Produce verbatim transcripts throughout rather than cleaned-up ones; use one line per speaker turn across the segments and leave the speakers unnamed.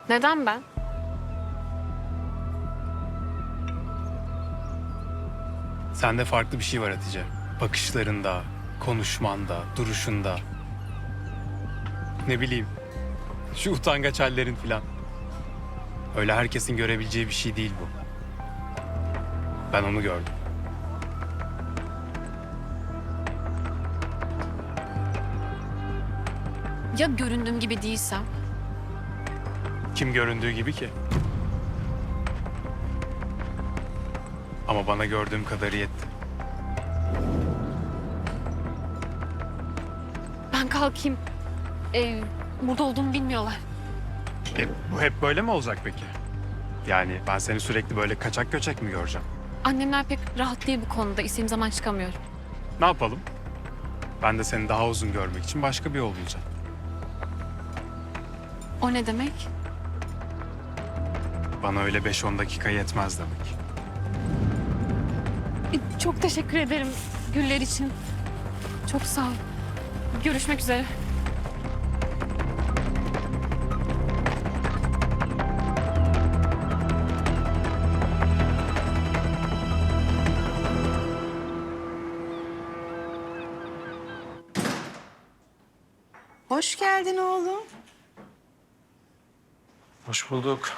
Neden ben?
Sende farklı bir şey var Hatice. Bakışlarında, konuşmanda, duruşunda. Ne bileyim, şu utangaç hallerin filan. Öyle herkesin görebileceği bir şey değil bu. Ben onu gördüm.
Ya göründüğüm gibi değilsem?
Kim göründüğü gibi ki? Ama bana gördüğüm kadarı yetti.
Ben kalkayım. Ee, burada olduğumu bilmiyorlar.
E, bu hep böyle mi olacak peki? Yani ben seni sürekli böyle kaçak göçek mi göreceğim?
Annemler pek rahat değil bu konuda. İstediğim zaman çıkamıyorum.
Ne yapalım? Ben de seni daha uzun görmek için başka bir yol bulacağım.
O ne demek?
Bana öyle beş on dakika yetmez demek.
Ee, Çok teşekkür ederim güller için. Çok sağ ol. Görüşmek üzere.
Hoş geldin oğlum.
Hoş bulduk.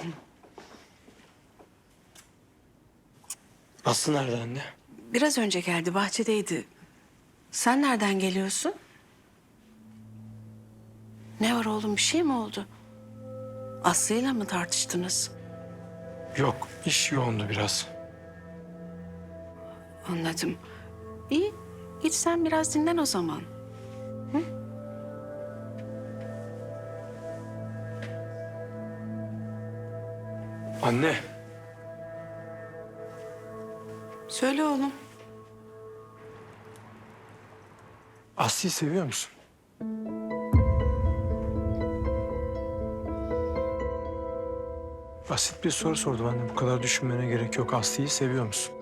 Aslı nerede anne?
Biraz önce geldi, bahçedeydi. Sen nereden geliyorsun? Ne var oğlum, bir şey mi oldu? Aslı'yla mı tartıştınız?
Yok, iş yoğundu biraz.
Anladım. İyi, git sen biraz dinlen o zaman.
Anne,
Söyle oğlum.
Aslı'yı seviyor musun? Basit bir soru sordum anne. Bu kadar düşünmene gerek yok. Aslı'yı seviyor musun?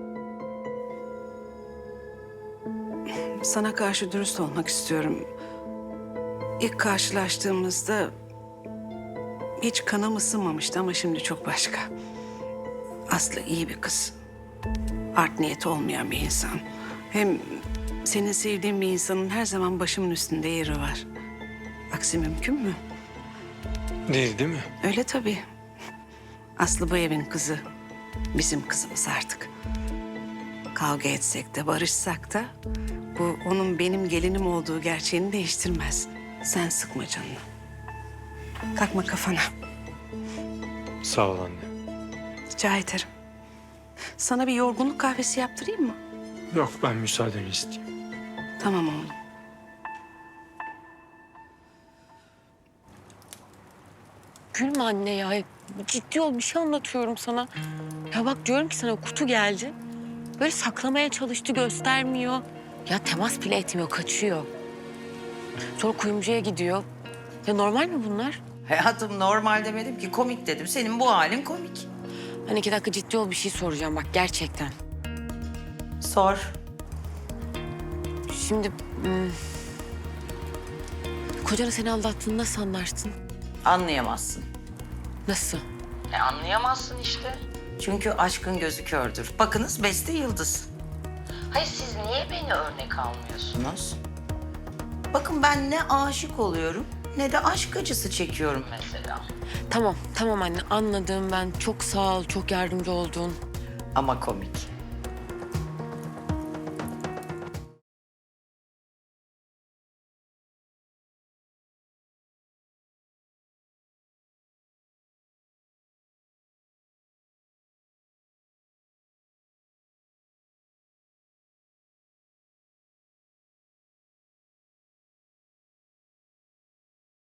Sana karşı dürüst olmak istiyorum. İlk karşılaştığımızda hiç kanım ısınmamıştı ama şimdi çok başka. Aslı iyi bir kız. Art niyeti olmayan bir insan. Hem senin sevdiğin bir insanın her zaman başımın üstünde yeri var. Aksi mümkün mü?
Değil, değil mi?
Öyle tabii. Aslı bu evin kızı. Bizim kızımız artık. Kavga etsek de barışsak da bu onun benim gelinim olduğu gerçeğini değiştirmez. Sen sıkma canını. Takma kafana.
Sağ ol anne.
Rica ederim. Sana bir yorgunluk kahvesi yaptırayım mı?
Yok, ben müsaadeni isteyeyim.
Tamam oğlum.
Gülme anne ya. Ciddi ol, bir şey anlatıyorum sana. Ya bak diyorum ki sana, kutu geldi. Böyle saklamaya çalıştı, göstermiyor. Ya temas bile etmiyor, kaçıyor. Sonra kuyumcuya gidiyor. Ya normal mi bunlar?
Hayatım normal demedim ki, komik dedim. Senin bu halin komik.
Hani iki dakika ciddi ol, bir şey soracağım bak gerçekten.
Sor.
Şimdi hmm, kocanı seni aldattığını nasıl anlarsın?
Anlayamazsın.
Nasıl?
E anlayamazsın işte. Çünkü aşkın gözü kördür. Bakınız Beste Yıldız. Hayır, siz niye beni örnek almıyorsunuz? Bakın ben ne aşık oluyorum ne de aşk acısı çekiyorum mesela.
Tamam, tamam anne anladım ben. Çok sağ ol, çok yardımcı oldun.
Ama komik.